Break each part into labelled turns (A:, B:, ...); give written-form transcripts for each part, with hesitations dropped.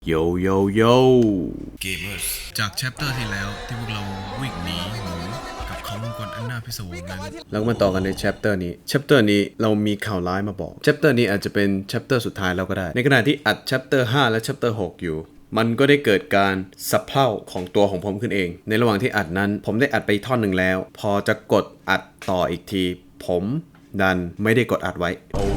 A: โยโยโย
B: เกมเมอร์จากแชปเตอร์ที่แล้วที่พวกเราวิ่งหนีหมูกับเขามังกรอันน่าพิศวงนั้น
A: แล้วมาต่อกันในแชปเตอร์นี้เรามีข่าวร้ายมาบอกแชปเตอร์นี้อาจจะเป็นแชปเตอร์สุดท้ายแล้วก็ได้ในขณะที่อัดแชปเตอร์5และแชปเตอร์6อยู่มันก็ได้เกิดการสับเพร่าของตัวของผมขึ้นเองในระหว่างที่อัดนั้นผมได้อัดไปท่อนหนึ่งแล้วพอจะกดอัดต่ออีกทีผมดันไม่ได้กดอัดไว้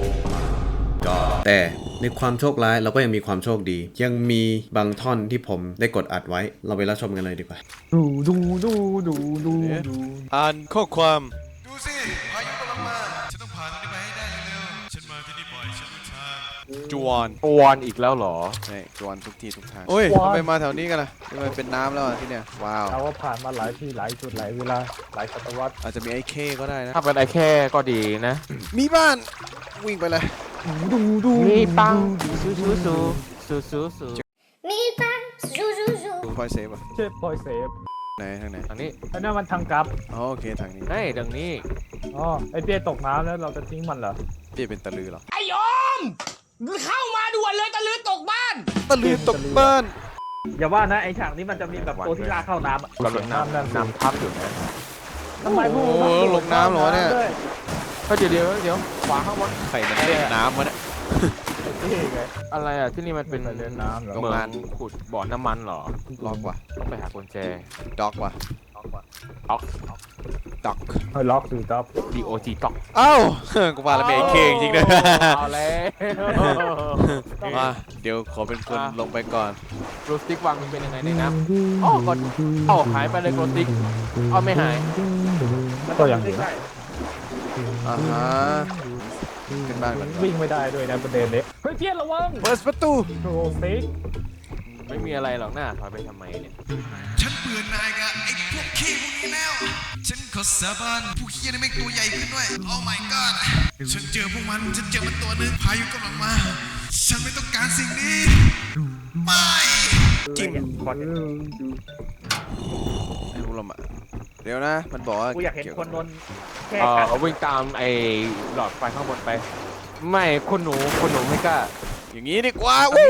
A: แต่ในความโชคร้ายเราก็ยังมีความโชคดียังมีบางท่อนที่ผมได้กดอัดไว้เราไปรับชมกันเลยดีกว่า
C: อ่านข้อความ
B: ดูสิพายุกำลังมาฉันต้องผ่านตรงนี้ไปให้ได้เร็วๆฉันมาที่นี่บ่อยฉันรู้ทาง
C: จวน
D: วอนอีกแล้วเหรอ
C: นี่จวนทุกที่ทุกทางโอ้ยทำไมมาแถวนี้กันล่ะทำไมเป็นน้ำแล้วอ่ะที่เนี่ยว้าว
D: เราก็ผ่านมาหลายที่หลายจุดหลายเวลาหลายศตวรรษ
C: อาจจะมีไอ้เคก็ได้นะ
D: ถ้าเป็นไอ้แค่ก็ดีนะ
C: มีบ้านวิ่งไปเลย
D: มีปังซูซูซูซูซูซู
E: มีปังซูซูซู
C: พอยเซฟอ่ะ
D: เจ็บปอยเซฟ
C: ไหนทางไหน
D: ทางนี้อันนั้นมันทางกลับ
C: อ๋อโอเคทางนี้
D: เฮ้ยดังนี้อ๋อไอ้เปี้ยตกน้ำแล้วเราจะทิ้งมันเหรอ
C: เปี้ยเป็นตะลือเหรอ
F: ไอ้ยอมเข้ามาด่วนเลยตะลือตกบ้าน
C: ตะลือตกบ้าน
G: อย่าว่านะไอ้ฉากนี้มันจะมีแบบตัวที่ลากเข้าน้ำอะ
D: กำลังน้ำทับอยู่นะ
G: ทำไมพวก
C: โอ้โหลงน้ำเหรอเนี่ย
D: ก็เดี๋ยวขวาข้างบน
C: ใครมันเล่นน้ำวะเนี่ย
D: นี่ไงอะไรอ่ะที่นี่มันเป็น
G: เล่นน้ำเหรอ
C: โรง
D: เมือง
C: งาน
D: ขุดบ่อน้ำมันเหรอ
C: ล็อกว่ะ
D: ต้องไปหากุญแจ
C: ด็อกว่ะ
D: ออก
C: ด็อก
G: เฮ้ยล็อกดูดับ
D: DOT ต็อก
C: เอ้ากูว่าแล้วเป็นไอ้เคจริงๆด้วย
D: เอาแล้ว
C: มาเดี๋ยวขอเป็นคนลงไปก่อน
D: โรสติกวางมันเป็นยังไงในน้ำอ๋อก็หายไปเลยโรสติกอ๋อไม่หาย
G: ก็อย่างนี้
C: อ่าฮะขึ้นบ้านก่อน
G: วิ่งไม่ได้ด้วยนะประเด็นเล็กเฮ้ยเพี้ยนระวัง
C: เปิดประตู
G: โรซิก
D: ไม่มีอะไรหรอกหน้าถอยไปทำไมเนี่ย
B: ฉันเบื่อหน่ายกับไอ้พวกขี้พวกนี้แล้วฉันขอสาบานพวกขี้นี่แม่งตัวใหญ่ขึ้นด้วย Oh my god ฉันเจอพวกมันฉันเจอมันตัวหนึงพายุกำลังมาฉันไม่ต้องการสิ่งนี้ไม่
C: จิ้มไอ้พวกเราอะเดี๋ยวนะมันบอกว่า
G: กูอยากเห็นคนโดนแค่กัด
D: วิ่งตามไอ้หลอดไฟข้างบนไป ไม่คุณหนูไม่กล้า
C: อย่างนี้ดีกว่าวู้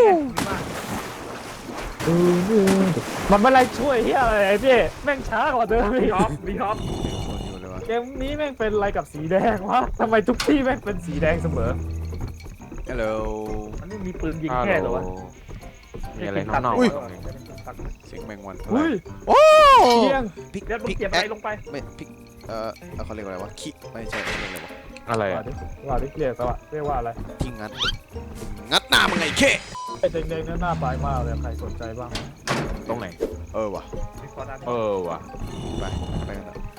G: มันไม่ไรช่วยเฮียอะไรไอ้เพี่แม่งช้ากว่าเดิมอีก
C: มีคนอยู่เลยวะ
G: เกมนี้แม่งเป็นอะไรกับสีแดงวะทำไมทุกที่แม่งเป็นสีแดงเสมอ
C: ฮัลโหล
G: มันไม่มีปืนยิงแค่เหรอวะ
D: มีอะไรน้อง
C: เสียงแมงวัน
G: อุ้ย
C: โอ้
G: เพียง
C: พิก
G: เดี๋ยวมึง
C: พิก
G: เก็บ
C: แอ
G: อะไร
C: ค
G: ลงไป
C: ไม่พิกเขาเรียกว่าอะไรวะคิไม่ใช่เขาเรียกอะไรวะ
D: ๆอะไร
G: ว่า
D: อ่ะ
G: ดิว่าดิเรียกว่าเรียกว่าอะไร
C: ที่งัดหน้ามึงไงเค
G: ไอ้แดงๆนั่นหน้าปลายมากเลยใครสนใจบ้าง
D: ตรงไหน
C: ว่ะ
D: ว่ะ
C: ไปกันเถอะ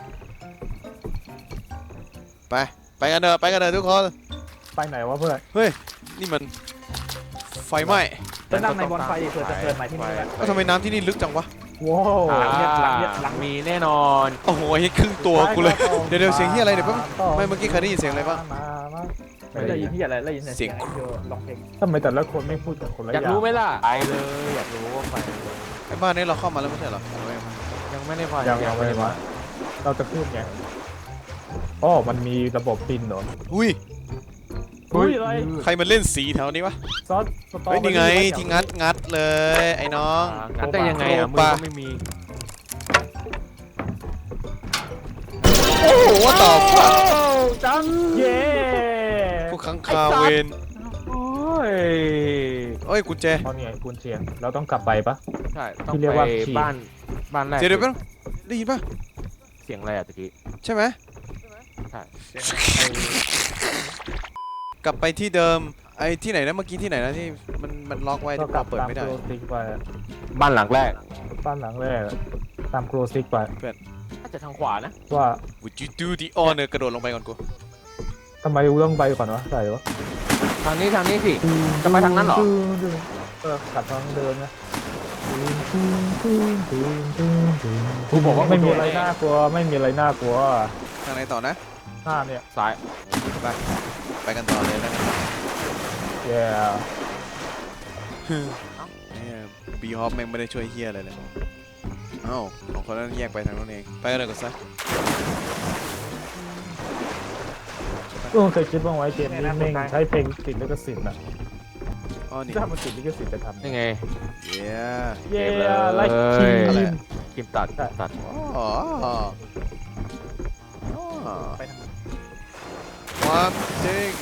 C: ไปกันเถอะทุกคน
G: ไปไหนวะเพื่อน
C: เฮ้ยนี่มันไฟไหม้
G: จะนั่งในบอนไฟเผื่อจะเกิดใหม่ที่นี่แหละ
C: ก็ทำไมน้ำที่นี่ลึกจังวะ
G: ว้าวหลัง
D: มีแน่นอน
C: โอ้โหเฮ้ยครึ่งตัวกูเลยเดี๋ยวเสียงที่อะไรเดี๋ยวแป๊บไม่เมื่อกี้ใครได้ยินเสียงอะไรบ้าง
G: ไม่ได้ยินที่อะไรได้ยิน
C: เสียง
G: ร้องเพลงทำไมแต่ละคนไม่พูดกับคนละอ
D: อยาก
G: ย่าง
D: รู้ไหมล่ะไปเลยอยากรู้ว่าไป
C: ไอ้บ้านนี้เราเข้ามาแล้วไม่ใช่เหรอ
D: ยังไม่ได้ไป
G: ยังไม่มาเราจะพูดไงอ๋อมันมีระบบปินเหรอ
C: อุ้ย
G: อุ้ยอะไร
C: ใครมันเล่นสีแถวนี้วะ
G: ซอสสตอ
C: เฮ้ยนี่ไงที่งัดเลยไอ้น้อง
D: งั้นได้ยังไงอ่ะมือก็ไม่มี
C: โอ้โหว่าต่อฟัก
G: จังเย่
C: พวกขังคาเวน
D: โอ้ย
C: เอ้ยกุญแจ
G: เขาเนี่ยกุญเชียงเราต้องกลับไปปะ
D: ใช่ต้อง
G: ที่เรียก
D: ไป
G: ว่าขีด
D: บ้านแรก
C: เดี๋ยวได้ยินป่ะ
D: เสียงอะไรอ่ะตะกี้
C: ใช่ไหม
D: ใช่
C: กลับไปที่เดิมไอ้ที่ไหนนะเมื่อกี้ที่ไหนนะที่มันล็อกไว้
G: ก็
C: ที่
G: กลั
C: เรา
G: บ
C: เปิด
G: ตาม
C: ไม่
G: โก
C: ได้
G: รซิกไป
D: บ้านหลังแรก
G: บ้านหลังแรกตามโกรซิกไป
D: น่าจะทางขวานะ
G: ว่า
C: Would you do the honor กระโดดลงไปก่อนกู
G: ทำไมเรื่องไปก่อนวะใส่วะ
D: ทางนี้สิจะไปทางนั้นเหรอ
G: กลับทางเดิมนะ
D: กูบอกว่า
G: ไม่มีอะไรน่ากลัวไม่มีอะไรน่ากลัว
C: ทางไหนต่อนะ
G: หน้าเนี่ย
D: ซ้าย
C: ไปกันต่อเลยแล้วกัน
G: แย่
C: บีฮอปแม่งไม่ได้ช่วยเฮียอะไรเลยเอ้าของคนนั้นแยกไปทางนั้นเองไปกันเลยก่อนซะ
G: ก็เคยคิดว่าไว้เกมนี้แม่งใช้เพลงติดแล้วก็สิทธิ์นะ
C: อ๋อนี่
G: ถ้ามันติดลิขสิทธิ์จะทำ
D: ยังไง
C: เย้
G: เย้
D: เกมเลย
G: ไล่คิม
C: อะไร
D: ครีมตัดตัด
C: อ๋อ
G: ไปทาง
C: ความจริง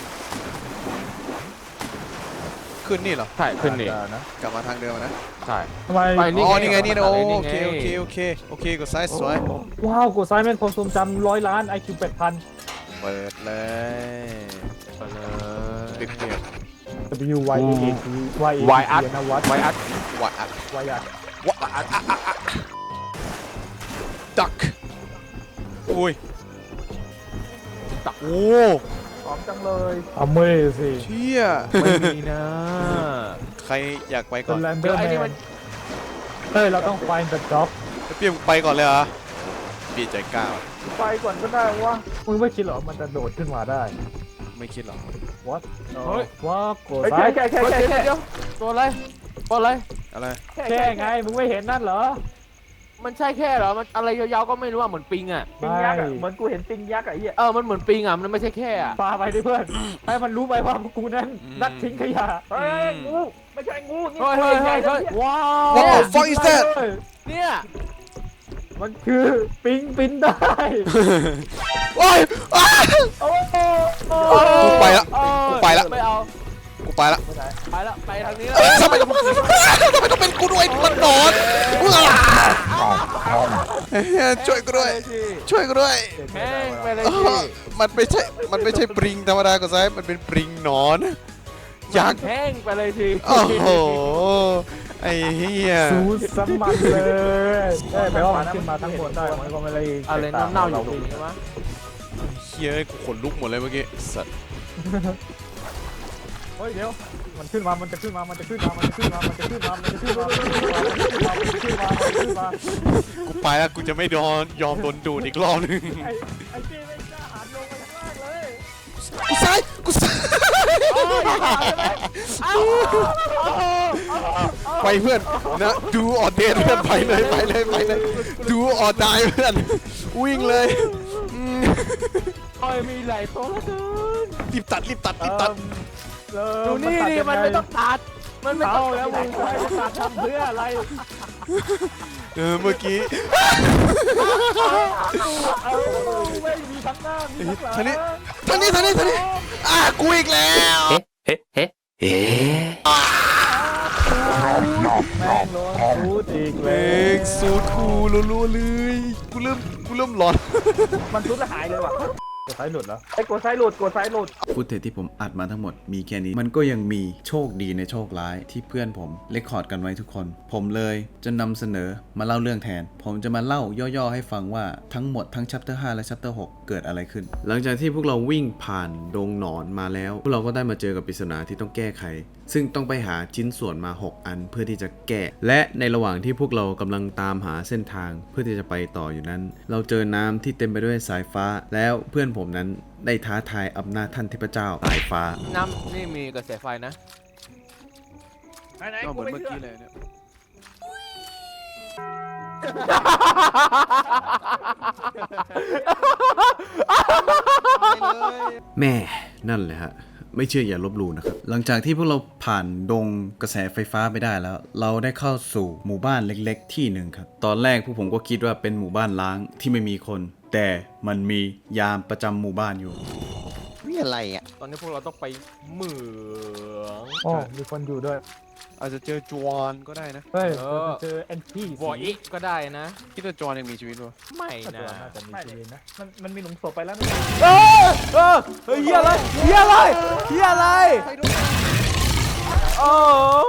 C: ขึ้นนี่เหรอ
D: ใช่ขึ้นนี่
G: นะ
C: กลับมาทางเดิมนะ
D: ใช่
G: ทำไม
D: ไปนี่
C: อ๋อ นี่ไง นี่นะโอ
D: นี่ไง
C: เค โอเค โอเค โอเคกดซ้ายสวย
G: ว้าวกดซ้ายแม่งความทรงจำ100 ล้าน IQ 8,000
C: เปิดเลย
D: ไปเลย
C: ปิดเกม
G: W Y A A T Y A
D: Y
G: T นะวัด
D: ไวอัด
C: วัดอัด
G: Y อัด
C: วัดอัดดักอุ้ยโอ้
G: พร้อมจังเลย Amazing
C: เชี่ย
D: ไม่มีนะ
C: ใครอยากไปก่
G: เป็
C: อน
G: นแรนเด
D: เดี๋
G: อ
D: ยว
G: ร์
D: ไอ้นี่
G: แม
D: มัน
G: นเฮ้ย เราต้อง find the job
C: เปียมไปก่อนเลยเหรอปีใจกล้า
G: ไปก่อนก็ได้วะมึงไม่คิดเหรอ มันจะโดดขึ้นมาได้
C: ไม่คิดหรอก
G: What
D: เฮ้ย
G: ว้าวกดซ้ายแค่
D: เดี๋ยวตัวอะไรตัวอะไร
C: อะไร
G: แค่ไง มึงไม่เห็นนั่นเหรอ
D: มันใช่แค่เหรอ มันอะไรยาวๆก็ไม่รู้อ่ะ เหมือนปิงอ่ะ
G: ปิงยักษ์เหมือนกูเห็นปิงยักษ์ไอ้เหี้ย
D: มันเหมือนปิงอ่ะ มันไม่ใช่แค่อ่ะ
G: ปาไปดิเพื่อน ให้มันรู้ไปว่ากูนั้นนักทิ้งขยะเฮ้ยงูไม่ใช่งูนี่
D: เฮ้ยเฮ้ยเฮ้ยเฮ้ย
G: ว้าว
C: What the fuck is that
D: เนี่ย
G: มันคือปิงปินได้
C: โอ้ยอ้า
G: โอ้โห
C: กูไปละกูไปละ
D: ไม่เอา
C: กูไปละ
D: ไปละไปทางนี้แล้ว
C: ทำไมต้องเป็นกูด้วยมันนอนช่วยกูด้วย ช่วยกูด้วย
D: แม่งไปเลย
C: เอ
D: สิ
C: อมันไม่ใช่ปริงธรรมดาก็ใช่มันเป็นปริงหนอนยักษ์
D: แห้งไปเลยสิ
C: โอ้โหไอ้เหี้ย
G: สูดสมันเลยแปลว่ามันขึ้นมาทั้งหมดได้มันก็ไม่ได้
D: อะไรเน่าๆอยู่ตรงนี้วะ
C: เหี้ยกูขนลุกหมดเลยเมื่อกี้สัตว์
G: เฮ้ยเดี๋ยวมันขึ้นมามันจะขึ้นมามันจะขึ้นมามันจะขึ้นมามันจะขึ้นมามันจะขึ้นมามันจะขึ้นมามันจะขึ้นมามันจะขึ้นมามันจะขึ้นมา
C: กูไปแล้วกูจะไม่ยอมโดนดูดอีกรอบนึง
G: ไอ้พี่ไม่กล้าหันลงไปข้างล่างเลย
C: กูซ้ายกูซ้ายไปเพื่อนนะดูออดเดนเพื่อนไปเลยดูออดได้เพื่อนวิ่งเลย
D: มีหลายตัวแล้วเกิน
C: รีบตัด
D: ดูนี่ดิมันไม่ต้องตัด มันไม่ต้
G: เอา
D: อง
G: แล้วมึงไปตัดทำเพื่ออะไร
C: เมื่อกี้
G: เอาไม่มีทั้งหน้ามีทั้งหลัง
C: ทางนี้กูอีกแล้ว
G: แม่งโดนสูดอีกเล
C: เอย งสูดคูรัวๆเลยกูเริ่มหลอน
G: มันสูดแล้วหายเลยว่ะกดซ้ายหลุดเหรอไอ้กดซ้ายหลุด
A: ฟุตเทจที่ผมอัดมาทั้งหมดมีแค่นี้ มันก็ยังมีโชคดีในโชคร้ายที่เพื่อนผมเรคคอร์ดกันไว้ทุกคน ผมเลยจะนำเสนอมาเล่าเรื่องแทน ผมจะมาเล่าย่อๆให้ฟังว่าทั้งหมดทั้ง chapter 5 และ chapter 6 เกิดอะไรขึ้น หลังจากที่พวกเราวิ่งผ่านดงหนอนมาแล้ว พวกเราก็ได้มาเจอกับปริศนาที่ต้องแก้ไข ซึ่งต้องไปหาชิ้นส่วนมา 6 อันเพื่อที่จะแก้ และในระหว่างที่พวกเรากำลังตามหาเส้นทางเพื่อที่จะไปต่ออยู่นั้น เราเจอน้ำที่เต็มไปด้วยสายฟ้า แล้วเพื่อนผมนั้นได้ท้าทายอำนาจท่านเทพเจ้าสายฟ้า
D: น้ำนี่มีกระแสไฟนะ
C: ก็เหมือนเมื่อกี้เลยเนี่ย
A: แม่นั่นแหละฮะไม่เชื่ออย่าลบหลู่นะครับหลังจากที่พวกเราผ่านดงกระแสไฟฟ้าไปได้แล้ว เราได้เข้าสู่หมู่บ้านเล็กๆที่หนึ่งครับตอนแรกพวกผมก็คิดว่าเป็นหมู่บ้านล้างที่ไม่มีคน แต่มันมียามประจำหมู่บ้านอยู่
C: นี่อะไรอ่ะ
D: ตอนนี้พวกเราต้องไปเหมือง
G: อ๋อมีคนอยู่ด้วย
C: อาจจะเจอจวนก็ได้นะ
G: เฮ้ยเจอแอนตี้
D: วออีกก็ได้นะ
C: คิดว่าจวนยังมีชีวิตป่ะ
D: ไม่
G: น่า
D: นะ
G: จะมีชีวิตนะมันมีหลุมศพไปแล้ว
D: เฮ้ยเฮียอะไรโอ้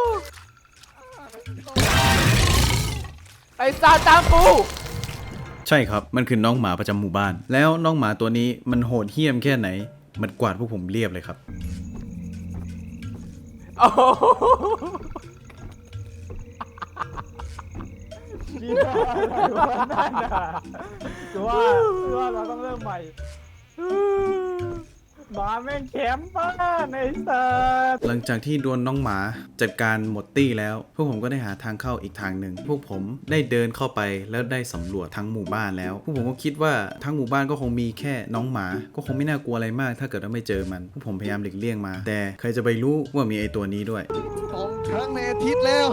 D: ไอ้ซาตามกู
A: ใช่ครับมันคือน้องหมาประจำหมู่บ้าน แล้วน้องหมาตัวนี้มันโหดเหี้ยมแค่ไหน มันกวาดพวกผมเรียบเลยครับ
D: โอ้โห
G: ดีมากนั่นน่ะคือว่าเราต้องเริ่มใหม่หมาแม่งแคมป์บ้านไอ้สัส
A: หลังจากที่ดวลน้องหมาจัดการหมดตี้แล้ว พวกผมก็ได้หาทางเข้าอีกทางหนึ่งพวกผมได้เดินเข้าไปแล้วได้สำรวจทั้งหมู่บ้านแล้ว พวกผมก็คิดว่าทั้งหมู่บ้านก็คงมีแค่น้องหมาก็คงไม่น่ากลัวอะไรมาก ถ้าเกิดว่าไม่เจอมันพวกผมพยายามหลีกเลี่ยงมา แต่ใครจะไปรู้ว่ามีไอตัวนี้ด้วย
C: 2 ครั้งในอาทิตย์แล้ว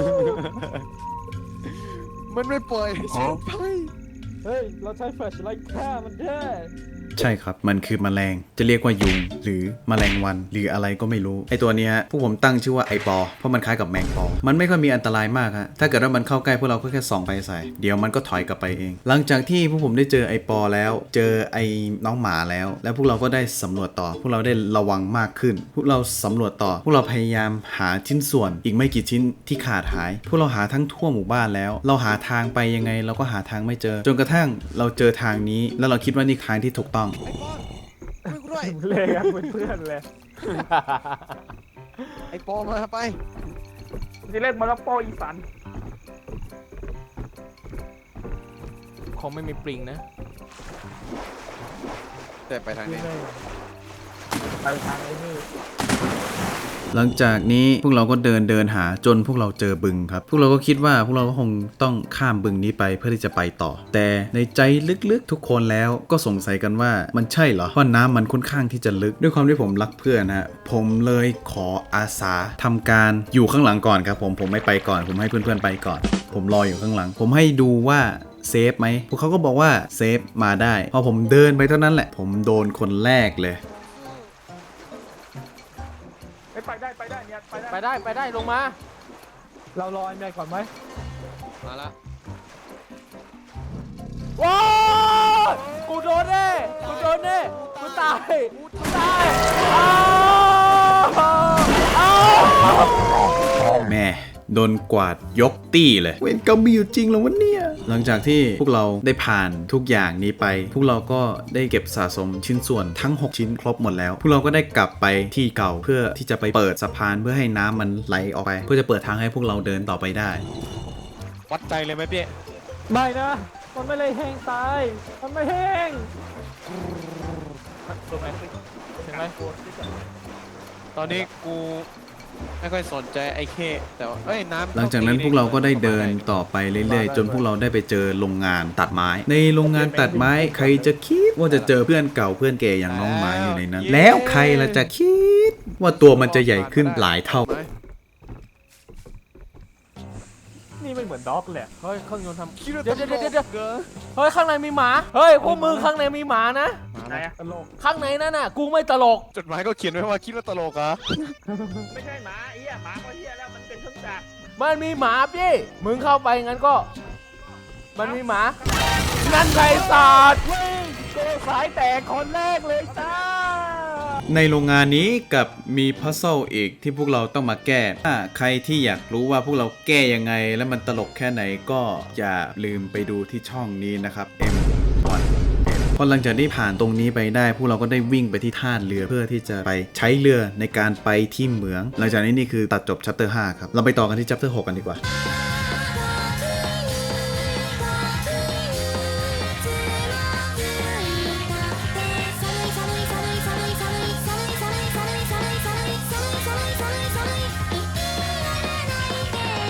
C: มันไม่ปล่อยฉันไป
G: เฮ้ยเราใช้แฟลชไลท์ฆ่ามันได้
A: ใช่ครับ มันคือแมลง จะเรียกว่ายุงหรือแมลงวัน หรืออะไรก็ไม่รู้ ไอตัวเนี้ยพวกผมตั้งชื่อว่าไอปอ เพราะมันคล้ายกับแมงปอ มันไม่ค่อยมีอันตรายมากฮะ ถ้าเกิดว่ามันเข้าใกล้พวกเราก็แค่ส่องไปใส่ เดี๋ยวมันก็ถอยกลับไปเอง หลังจากที่พวกผมได้เจอไอปอแล้ว เจอไอน้องหมาแล้ว แล้วพวกเราก็ได้สำรวจต่อ พวกเราได้ระวังมากขึ้น พวกเราสำรวจต่อ พวกเราพยายามหาชิ้นส่วน อีกไม่กี่ชิ้นที่ขาดหาย พวกเราหาทั้งทั่วหมู่บ้านแล้ว เราหาทางไปยังไงเราก็หาทางไม่เจอ จนกระทั่งเราเจอทางนี้ แล้วเราคิดว่านี่ทางที่ถูกต้อง
C: ไอ้ปอนช่วยกูด้วย
G: เลยกันเป็นเพื่อนเลย
C: ไอ้ปอมาไป
G: จะเล่นมาแล้วโปอีสัน
D: คงไม่มีปริงนะ
C: แต่ไปทางนี้
G: ไปทางไอ้นี่
A: หลังจากนี้พวกเราก็เดินหาจนพวกเราเจอบึงครับ พวกเราก็คิดว่าพวกเราก็คงต้องข้ามบึงนี้ไปเพื่อที่จะไปต่อ แต่ในใจลึกๆทุกคนแล้วก็สงสัยกันว่ามันใช่เหรอเพราะน้ำมันค่อนข้างที่จะลึกด้วยความที่ผมรักเพื่อนนะฮะผมเลยขออาสาทำการอยู่ข้างหลังก่อนครับผมไม่ไปก่อนผมให้เพื่อนๆไปก่อน ผมรออยู่ข้างหลัง ผมให้ดูว่าเซฟไหมพวกเขาก็บอกว่าเซฟมาได้พอผมเดินไปเท่านั้นแหละผมโดนคนแรกเลย
G: ไปได้เนี่ยไปได้
D: ไปได้ลงมา
G: เรารอไอ้แม่ก่อนไหม
C: มาละ
D: ว้าวกูโดนแน่กูตายอ้าว
A: แม่โดนกวาดยกตี้เลยเวรกรรมมีอยู่จริงเหรอวะเนี่ยหลังจากที่พวกเราได้ผ่านทุกอย่างนี้ไป พวกเราก็ได้เก็บสะสมชิ้นส่วนทั้ง 6 ชิ้นครบหมดแล้ว พวกเราก็ได้กลับไปที่เก่าเพื่อที่จะไปเปิดสะพานเพื่อให้น้ำมันไหลออกไป เพื่อจะเปิดทางให้พวกเราเดินต่อไปได้
C: วัดใจเลยไหมพี่
G: ไม่นะมันไม่เลยแห้งตายมันไม่แห้ง
D: ถูกไหมถึงไหม
C: ตอนนี้กูไม่ค่อยสนใจไอ้เคแต่ว่าเอ้ยน้ำ
A: หลังจากนั้นพวกเราก็ได้เดินต่อไปเรื่อยๆจนพวกเราได้ไปเจอโรงงานตัดไม้ ในโรงงานตัดไม้ใครจะคิดว่าจะเจอเพื่อนเก่าเพื่อนแก่อย่างน้องไม้อยู่ในนั้น แล้วใครล่ะจะคิดว่าตัวมันจะใหญ่ขึ้นหลายเท่า
G: นี่ไม่เหมือนด็อกเลย
D: เฮ้ยเครื่องยนต์ทำ
C: คิดว่า
D: เดี๋ยว
C: ตลกเกิน
D: เฮ้ยข้างในมีหมาเฮ้ยพวกมือข้างในมีหมานะ
G: ไหนอะตลก
D: ข้างในนั่นน่ะกูไม่ตลก
C: จดหมายก็เขียนไว้ว่าคิดว่าตลกเหรอ
F: ไม่ใช่หมาไอ้เหี้ยหมาก็เหี้ยแล้วมันเป็นเครื่องจักร
D: มันมีหมาพี่มึงเข้าไปงั้นก็ มันมีหมานั่นไงสัตว์
G: เจอสายแตกคนแรกเลยจ้า
A: ในโรงงานนี้กับมีพัซเซิลอีกที่พวกเราต้องมาแก้ ถ้าใครที่อยากรู้ว่าพวกเราแก้ยังไงและมันตลกแค่ไหนก็อย่าลืมไปดูที่ช่องนี้นะครับ M1 พอหลังจากที่ผ่านตรงนี้ไปได้ พวกเราก็ได้วิ่งไปที่ท่าเรือเพื่อที่จะไปใช้เรือในการไปที่เหมือง หลังจากนี้นี่คือตัดจบ chapter 5 ครับ เราไปต่อกันที่ chapter 6 กันดีกว่า